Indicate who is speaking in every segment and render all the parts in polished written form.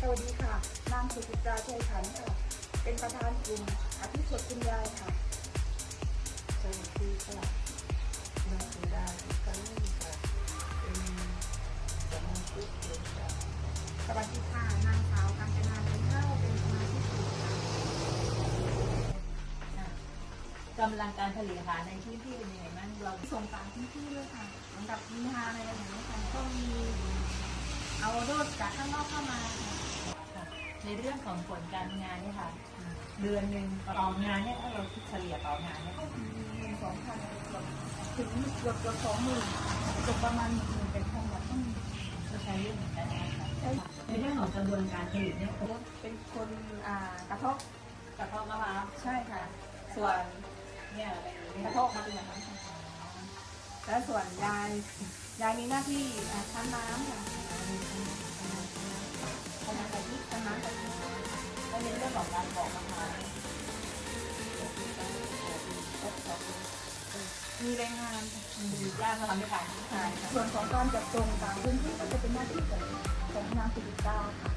Speaker 1: วัสดีค่ะนางสุจิตราชัยขันธ์ค่ะเป็นประธานกลุ่มอภิสดคุณยายค่ะ
Speaker 2: สวัสดีค่ะนางสุดาอิกาลีค่ะเป็นสมาชิกกลุ่มค่ะ
Speaker 1: สวัสดีค่ะนางสาวกาญจนาเป็นเข้าเป็นสมาชิกกลุ่มค่ะ
Speaker 3: กำลังการผลิตอาหารในพื้นที่เป็นยังไงบ้างเรา
Speaker 1: ส่งต่างพื้นที่ด้วยค่ะเหมือนกับมีฮาอะไรอย่างนี้ค่ะก็มีเอาโดดจากข้างนอกเข้ามาค่ะ
Speaker 3: ค่ะในเรื่องของผลการงานเนี่ยค่ะเดือนหนึ่งต่องานเนี่ยถ้าเราคิดเฉลี่ยต่องานเนี่ย
Speaker 1: ก็มี12,000ถึงเกือบ20,000เกือบประมาณ10,000เป็นพันแบบต้อง
Speaker 3: ก็ใช้เรื่องเหมือนกันนะคะ
Speaker 1: ใช้
Speaker 3: ในเรื่องของกระบวนการผลิตเนี่ยเขา
Speaker 1: เป็นคนกระทบ
Speaker 3: กระเพาะมะพร้าว
Speaker 1: ใช่ค่ะ
Speaker 3: ส่วนเนี่ยอะไรเนี่ย
Speaker 1: กระทบมาเป็นอย่างนั้นค่ะแล้วส่วนยายมีหน้าที่คั้นน้ำค่ะคั้นน้ำกะทิคั้นน้ำกะทิ
Speaker 3: แล้วในเรื่องของการปอกมะพร้าว
Speaker 1: มีแรงงานค่ะ
Speaker 3: มีย่างมาทำด้วยกัน
Speaker 1: ใช่ค่ะส่วนของการจัดส่งต่างพื้นที่ก็จะเป็นหน้าที่ของนางสุริตาค่ะ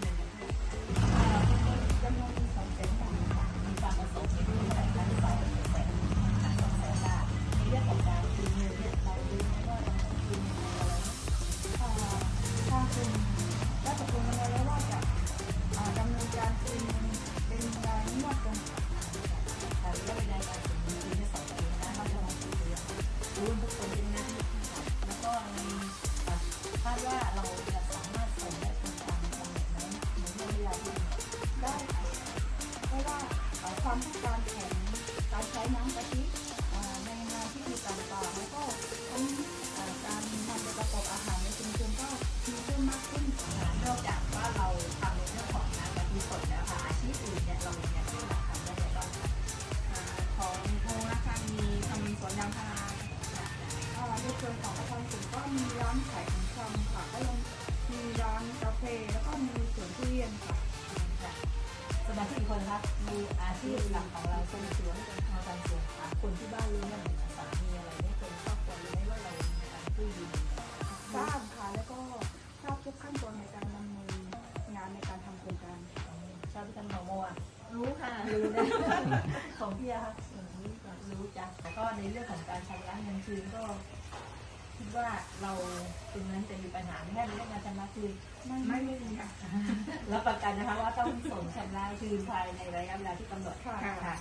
Speaker 1: จำนวน200,000 บาทค่ะ
Speaker 3: มีความประสงค์ในเรื่องของการ200,000 200,000 บาทในเรื่องของการคืนเงินเนี่ยเรารู้ไหมว่าเราต้องคืนยังไงอะไร
Speaker 1: ทางกลุ่มได้ตกลงกันแล้วว่าจะดำเนินการคืนเป็นรายงวดตรง
Speaker 3: ค่ะระยะเวลาการถึงปีที่2 ปีนะเขาจะลงทุนเดือนรู้ทุกคนเป็นหน้าที่ค่ะแล้วก็ในคาดว่าเราจะสามารถส่งได้ทันตามกำหนดไหมในเรื่องเวลาที่
Speaker 1: ได้ค่ะเพราะว่าความต้องการของการใช้น้ำกะทิในงานที่มีการต่างแล้วก็ทั้งการนำไปประกอบอาหารในชุมชนก็มีเพิ่มมากขึ้น
Speaker 3: นอกจากว่าเราทำในเรื่องของน้ำกะทิสดแล้วค่ะอาชีพอื่นเนี่ยเรายังสามารถทำได้อย่างไรบ้างคะ
Speaker 1: ของโพนะคะมีทำสวนยางพาราในส่วนของประชาชนก็มีร้านขายของชำค่ะก็ยังมีร้านกาแฟแล้วก็มีสวนทุเรียนค่ะ
Speaker 3: ค่ะสมาชิกอีกคนครับมีอาชีพหลักของเราเป็นสวนเป็นทางการสวนค่ะคนที่บ้านรู้ไหมสามีอะไรเนี่ยคนครอบครัวรู้ไหมว่าเรามีการกู้ยืม
Speaker 1: ทราบค่ะแล้วก็ทราบทุกขั้นตอนในการดำเนินงานในการทำโครงการ
Speaker 3: ชอบที่ท่านหมอโมอ่ะ
Speaker 1: รู้ค่ะ
Speaker 3: รู้นะ ของพี่อะค่ะรู้จ้ะแล้วก็ในเรื่องของการชำระเงินคืนก็คิดว่าเราตรงนั้นจะมีปัญหาแค่ในเรื่องการชำระคืน
Speaker 1: ไม่มีค่ะ
Speaker 3: รับประกันนะคะว่าต้องส่งชำระคืนภายในระยะเวลาที่กำหนด
Speaker 1: ค่ะ
Speaker 3: ค่ะ